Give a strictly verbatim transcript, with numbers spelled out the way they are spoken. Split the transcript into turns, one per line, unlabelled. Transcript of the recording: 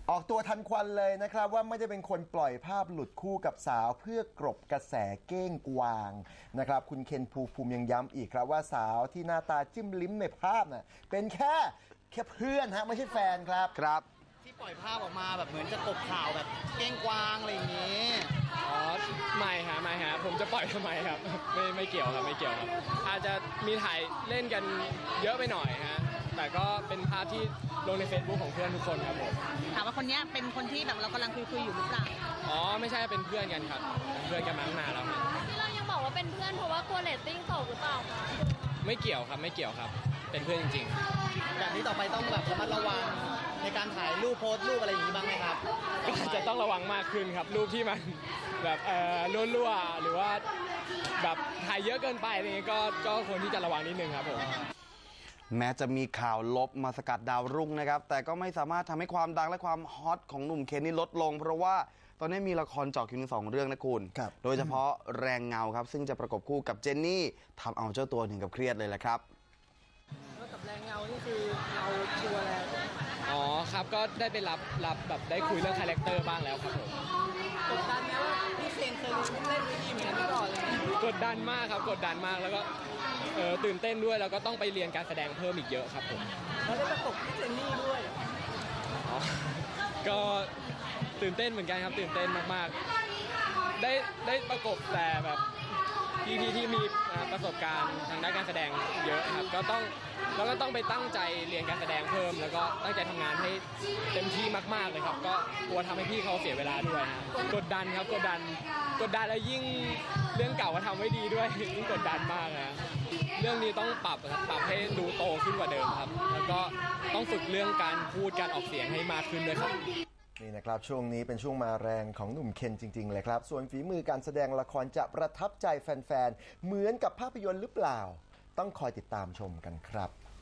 ออกตัวทันควันเลยนะครับว่าไม่ได้เป็นคนปล่อยภาพหลุดคู่กับสาวเพื่อกรบกระแสเก้งกวางนะครับคุณเคนภูมิภูมิยังย้ำอีกครับว่าสาวที่หน้าตาจิ้มลิ้มในภาพน่ะเป็นแค่แค่เพื่อนฮะไม่ใช่แฟนครับ
ครับ
ที่ปล่อยภาพออกมาแบบเหมือนจะกบข่าวแบบเก้งกวางอะไรอย่างนี้
อ๋อไม่ฮะไม่ฮะผมจะปล่อยทำไมครับไม่ไม่เกี่ยวครับไม่เกี่ยวครับอาจจะมีถ่ายเล่นกันเยอะไปหน่อยฮะแต่ก็เป็นภาพที่ลงใน Facebook ของเพื่อนทุกคนครับผม
ถามว่าคนนี้เป็นคนที่แบบเรากำลังคุยคุยอยู่หรือเปล่า
อ๋อไม่ใช่เป็นเพื่อนกันครับเพื่อนกันมาตั้งนานแล้วครับ
ที่เรายังบอกว่าเป็นเพื่อนเพราะว่ากลัวเรตติ้งตกหรือเปล่าคะ
ไม่เกี่ยวครับไม่เกี่ยวครับเป็นเพื่อนจริง
ๆแบบนี้ต่อไปต้องแบบระมัดระวังในการถ่ายรูปโพสต์รูปอะไรอย่างนี้บ้างไหมครับ
ก็จะต้องระวังมากขึ้นครับรูปที่มันแบบเอ่อรั่วๆหรือว่าแบบถ่ายเยอะเกินไปอะไรเงี้ยก็ก็ควรที่จะระวังนิดนึงครับผม
แม้จะมีข่าวลบมาสกัดดาวรุ่งนะครับแต่ก็ไม่สามารถทำให้ความดังและความฮอตของหนุ่มเคนนี่ลดลงเพราะว่าตอนนี้มีละครเจาะคิวถึงสองเรื่องนะคุณโดยเฉพาะแรงเงาครับซึ่งจะประกบคู่กับเจนนี่ทำเอาเจ้าตัวถึงกับเครียดเลยแหละครับ
แล้วกับแรงเงานี่คือเราชัวร์แล้ว
อ๋อครับก็ได้ไปรับรับแบบได้คุยเรื่องคาแรคเตอร์บ้างแล้วครับผม
กดดันไหมว่าพี่เคนเคยเล่นดีเหมือนกันก่อนเลย
กดดันมากครับกดดันมากแล้วก็เออตื่นเต้นด้วยแล้วก็ต้องไปเรียนการแสดงเพิ่มอีกเยอะครับผม
แล้วได้ประกบพี่เจนนี่ด้วย
อ๋อก็ตื่นเต้นเหมือนกันครับตื่นเต้นมากๆได้ได้ประกบแต่แบบที่ที่ที่มีประสบการณ์ทางด้านการแสดงเยอะครับก็ต้องแล้วก็ต้องไปตั้งใจเรียนการแสดงเพิ่มแล้วก็ตั้งใจทำงานให้เต็มที่มากๆเลยครับก็กลัวทำให้พี่เขาเสียเวลาด้วยฮะกดดันครับกดดันกดดันแล้วยิ่งเรื่องเก่าก็ทำไว้ดีด้วยยิ่งกดดันมากนะเรื่องนี้ต้องปรับครับปรับให้ดูโตขึ้นกว่าเดิมครับแล้วก็ต้องฝึกเรื่องการพูดการออกเสียงให้มากขึ้นด้วยครับ
นี่นะครับช่วงนี้เป็นช่วงมาแรงของหนุ่มเคนจริงๆเลยครับส่วนฝีมือการแสดงละครจะประทับใจแฟนๆเหมือนกับภาพยนตร์หรือเปล่าต้องคอยติดตามชมกันครับ